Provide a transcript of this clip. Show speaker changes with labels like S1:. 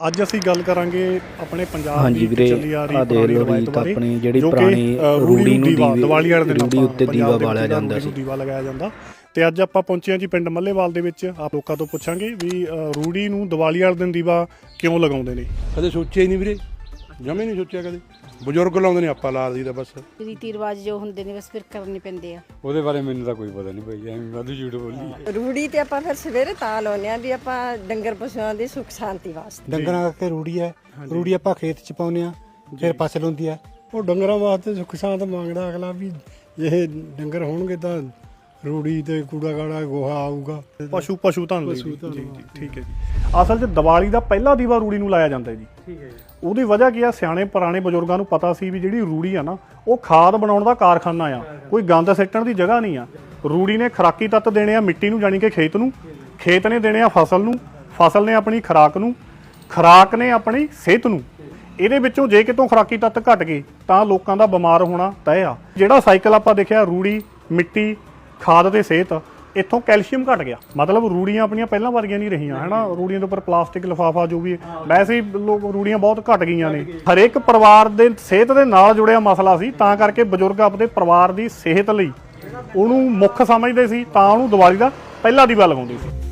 S1: ਅੱਜ ਅਸੀਂ ਗੱਲ ਕਰਾਂਗੇ ਆਪਣੇ ਪੰਜਾਬ
S2: ਹਾਂਜੀ
S1: ਦੀ
S2: ਵੀਰੇ,
S1: ਚੱਲੀ ਆ ਰਹੀ
S2: ਆਹ ਦੇਖ
S1: ਪੁਰਾਣੀ
S2: ਲਓ
S1: ਰਵਾਇਤ
S2: ਵੀ
S1: ਬਾਰੇ
S2: ਆਪਣੀ ਜਿਹੜੀ
S1: ਜੋ ਕਿ
S2: ਪੁਰਾਣੀ ਰੂੜੀ ਨੂੰ
S1: ਦੀਵਾਲੀ ਵਾਲੇ ਦਿਨ
S2: ਰੂੜੀ ਉੱਤੇ ਦੀਵਾ ਬਾਲਿਆ ਜਾਂਦਾ ਸੀ।
S1: ਦੀਵਾ ਲਗਾਇਆ ਜਾਂਦਾ। ਤੇ ਅੱਜ ਆਪਾਂ ਪਹੁੰਚੇ ਹਾਂ ਜੀ ਪਿੰਡ ਮੱਲੇਵਾਲ ਦੇ ਵਿੱਚ। ਆਪ ਲੋਕਾਂ ਤੋਂ ਪੁੱਛਾਂਗੇ ਵੀ ਰੂੜੀ ਨੂੰ ਦੀਵਾਲੀ ਵਾਲੇ ਦਿਨ ਦੀਵਾ ਕਿਉਂ ਲਗਾਉਂਦੇ ਨੇ।
S3: ਕਦੇ ਸੋਚਿਆ ਹੀ ਨਹੀਂ ਵੀਰੇ, ਜਮੇ ਨਹੀਂ ਸੋਚਿਆ ਕਦੇ। ਬਜ਼ੁਰਗ ਲਾਉਂਦੇ ਨੇ, ਆਪਾਂ ਲਾ ਦਈਦਾ ਬਸ।
S4: ਰੀਤੀ ਰਿਵਾਜ ਜੋ ਹੁੰਦੇ ਨੇ ਬਸ ਫਿਰ ਕਰਨੇ ਪੈਂਦੇ ਆ।
S5: ਉਹਦੇ ਬਾਰੇ ਮੈਨੂੰ ਤਾਂ ਕੋਈ ਪਤਾ ਨਹੀਂ ਭਾਈ, ਐਵੇਂ ਵਾਧੂ ਝੂਠ ਬੋਲੀ।
S6: ਰੂੜੀ ਤੇ ਆਪਾਂ ਫਿਰ ਸਵੇਰੇ ਤਾਂ ਲਾਉਂਦੇ ਆ ਵੀ ਆਪਾਂ ਡੰਗਰ ਪਸ਼ੂਆਂ ਦੀ ਸੁੱਖ ਸ਼ਾਂਤੀ ਵਾਸਤੇ।
S7: ਡੰਗਰਾਂ ਕਰਕੇ ਰੂੜੀ ਹੈ, ਰੂੜੀ ਆਪਾਂ ਖੇਤ ਚ ਪਾਉਂਦੇ ਆ, ਫਿਰ ਫਸਲ ਹੁੰਦੀ ਹੈ।
S8: ਉਹ ਡੰਗਰਾਂ ਵਾਸਤੇ ਸੁੱਖ ਸ਼ਾਂਤ ਮੰਗਦਾ ਅਗਲਾ ਵੀ ਇਹ ਡੰਗਰ ਹੋਣਗੇ ਤਾਂ ਰੂੜੀ ਤੇ ਕੂੜਾ ਕਾੜਾ ਗੋਹਾ ਆਊਗਾ।
S1: ਪਸ਼ੂ ਧਨ ਲਈ ਜੀ ਜੀ ਠੀਕ ਹੈ ਜੀ। ਅਸਲ 'ਚ ਦੀਵਾਲੀ ਦਾ ਪਹਿਲਾ ਦੀਵਾ ਰੂੜੀ ਨੂੰ ਲਾਇਆ ਜਾਂਦਾ ਜੀ। ਠੀਕ ਹੈ ਜੀ। ਉਹਦੀ ਵਜ੍ਹਾ ਕੀ ਆ, ਸਿਆਣੇ ਪੁਰਾਣੇ ਬਜ਼ੁਰਗਾਂ ਨੂੰ ਪਤਾ ਸੀ ਵੀ ਜਿਹੜੀ ਰੂੜੀ ਆ ਨਾ ਉਹ ਖਾਦ ਬਣਾਉਣ ਦਾ ਕਾਰਖਾਨਾ ਆ, ਕੋਈ ਗੰਦ ਸਿੱਟਣ ਦੀ ਜਗ੍ਹਾ ਨਹੀਂ ਆ। ਰੂੜੀ ਨੇ ਖੁਰਾਕੀ ਤੱਤ ਦੇਣੇ ਆ ਮਿੱਟੀ ਨੂੰ, ਜਾਣੀ ਕਿ ਖੇਤ ਨੂੰ, ਖੇਤ ਨੇ ਦੇਣੇ ਆ ਫਸਲ ਨੂੰ, ਫਸਲ ਨੇ ਆਪਣੀ ਖੁਰਾਕ ਨੂੰ, ਖੁਰਾਕ ਨੇ ਆਪਣੀ ਸਿਹਤ ਨੂੰ। ਇਹਦੇ ਵਿੱਚੋਂ ਜੇ ਕਿਤੋਂ ਖੁਰਾਕੀ ਤੱਤ ਘਟ ਗਏ ਤਾਂ ਲੋਕਾਂ ਦਾ ਬਿਮਾਰ ਹੋਣਾ ਤੈਅ ਆ। ਜਿਹੜਾ ਸਾਈਕਲ ਆਪਾਂ ਦੇਖਿਆ ਰੂੜੀ, ਮਿੱਟੀ, ਖਾਦ ਤੇ ਸਿਹਤ, ਇੱਥੋਂ ਕੈਲਸ਼ੀਅਮ ਘਟ ਗਿਆ। ਮਤਲਬ ਰੂੜੀਆਂ ਆਪਣੀਆਂ ਪਹਿਲਾਂ ਵਰਗੀਆਂ ਨਹੀਂ ਰਹੀਆਂ ਹੈ ਨਾ। ਰੂੜੀਆਂ ਦੇ ਉੱਪਰ ਪਲਾਸਟਿਕ ਲਿਫਾਫਾ ਜੋ ਵੀ, ਵੈਸੇ ਹੀ ਲੋਕ ਰੂੜੀਆਂ ਬਹੁਤ ਘਟ ਗਈਆਂ ਨੇ। ਹਰੇਕ ਪਰਿਵਾਰ ਦੇ ਸਿਹਤ ਦੇ ਨਾਲ ਜੁੜਿਆ ਮਸਲਾ ਸੀ, ਤਾਂ ਕਰਕੇ ਬਜ਼ੁਰਗ ਆਪਣੇ ਪਰਿਵਾਰ ਦੀ ਸਿਹਤ ਲਈ ਉਹਨੂੰ ਮੁੱਖ ਸਮਝਦੇ ਸੀ, ਤਾਂ ਉਹਨੂੰ ਦੀਵਾਲੀ ਦਾ ਪਹਿਲਾ ਦੀਵਾ ਲਗਾਉਂਦੇ ਸੀ।